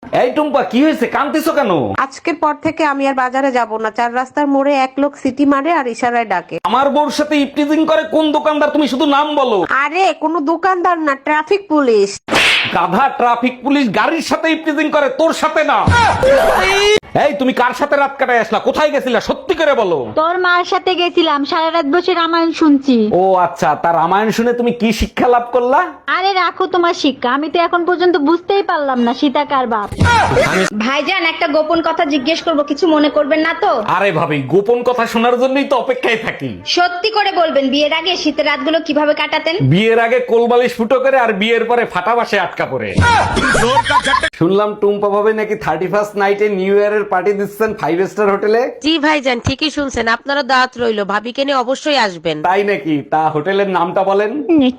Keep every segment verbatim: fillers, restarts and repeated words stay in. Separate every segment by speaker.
Speaker 1: এই টুম্পা, কি হয়েছে, কাঁদতেছো কেন?
Speaker 2: আজকের পর থেকে আমি আর বাজারে যাব না। চার রাস্তার মোড়ে এক লোক সিটি মারে আর ইশারায় ডাকে।
Speaker 1: আমার বউর সাথে ইপটিজিং করে কোন দোকানদার? তুমি শুধু নাম বলো।
Speaker 2: আরে কোনো দোকানদার না, ট্রাফিক পুলিশ।
Speaker 1: গাধা, ট্রাফিক পুলিশ গাড়ির সাথে ইপটিজিং করে, তোর সাথে না। এই তুমি কার সাথে রাত কাটায় আসলা? কোথায় গেছিলা? সত্যি করে বলো।
Speaker 3: তোর মার সাথে গেছিলাম, সারা রাত বসে রামায়ণ শুনছি।
Speaker 1: ও আচ্ছা, তার রামায়ণ শুনে তুমি কি শিক্ষা লাভ করলা?
Speaker 3: আরে রাখো তোমার শিক্ষা, আমি তো এখন পর্যন্ত বুঝতেই পারলাম না সীতা কার বাপ।
Speaker 4: ভাইজান, একটা গোপন কথা জিজ্ঞেস করব, কিছু মনে করবেন না তো?
Speaker 1: আরে ভাবি, গোপন কথা শোনার জন্যই তো অপেক্ষায় থাকি।
Speaker 4: সত্যি করে বলবেন, বিয়ের আগে শীতের রাতগুলো কিভাবে কাটাতেন?
Speaker 1: বিয়ের আগে কোলবালিশ ফুটো করে আর বিয়ের পরে ফাটা বাসে আটকা পড়ে। শুনলাম টুম্পা ভাবে নাকি থার্টি ফার্স্ট নাইটে নিউ ইয়ারের পার্টি দিচ্ছেন ফাইভ স্টার হোটেলে।
Speaker 2: জি ভাইজান, ঠিকই শুনছেন। আপনারা দাওয়াত রইলো, ভাবিকে নিয়ে অবশ্যই আসবেন।
Speaker 1: তাই নাকি? তা হোটেলের নামটা বলেন।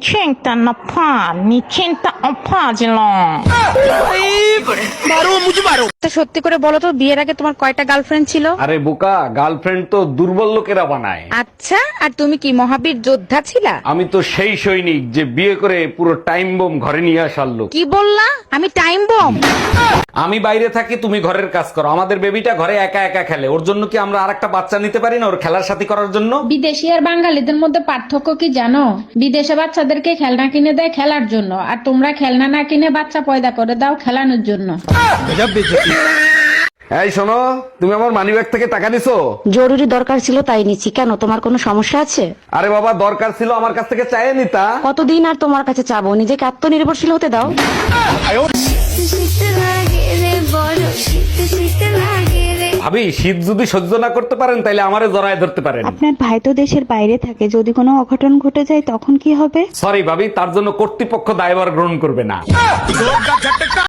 Speaker 2: সত্যি করে বলো তো, বিয়ের আগে তোমার কয়টা গার্লফ্রেন্ড ছিল?
Speaker 1: আরে বোকা, গার্লফ্রেন্ড তো দুর্বল লোকেরা বানায়।
Speaker 2: আচ্ছা, আর তুমি কি মহাবীর যোদ্ধা ছিলা?
Speaker 1: আমি তো সেই সৈনিক যে বিয়ে করে পুরো টাইম বোম ঘরে নিয়ে আসার লোক।
Speaker 2: কি বললা? আমি টাইম বম?
Speaker 1: আমি বাইরে থাকি, তুমি ঘরের কাজ করো। আমাদের বেবিটা ঘরে একা একা খেলে, ওর জন্য কি আমরা আরেকটা বাচ্চা নিতে পারি না ওর খেলার সাথী করার জন্য?
Speaker 5: বিদেশি আর বাঙালিদের মধ্যে পার্থক্য কি জানো? বিদেশে বাচ্চাদেরকে খেলনা কিনে দেয় খেলার জন্য, আর তোমরা খেলনা না কিনে বাচ্চা পয়দা করে দাও খেলানোর জন্য।
Speaker 1: এই শোনো, তুমি আমার মানিব্যাগ থেকে টাকা নিছো?
Speaker 6: জরুরি দরকার ছিল তাই নিচ্ছি। কেন, তোমার কোনো সমস্যা আছে?
Speaker 1: আরে বাবা, দরকার ছিল আমার কাছ থেকে চাইয়ে নিতা।
Speaker 6: কতদিন আর তোমার কাছে চাবো? নিজেকে আত্মনির্ভরশীল হতে দাও।
Speaker 1: ভাবি, শীত যদি সহ্য না করতে পারেন তাহলে আমারে জড়ায় ধরতে পারেন।
Speaker 7: আপনার ভাই তো দেশের বাইরে থাকে, যদি কোনো অঘটন ঘটে যায় তখন কি হবে?
Speaker 1: সরি ভাবি, তার জন্য কর্তৃপক্ষ দায়ভার গ্রহণ করবে না।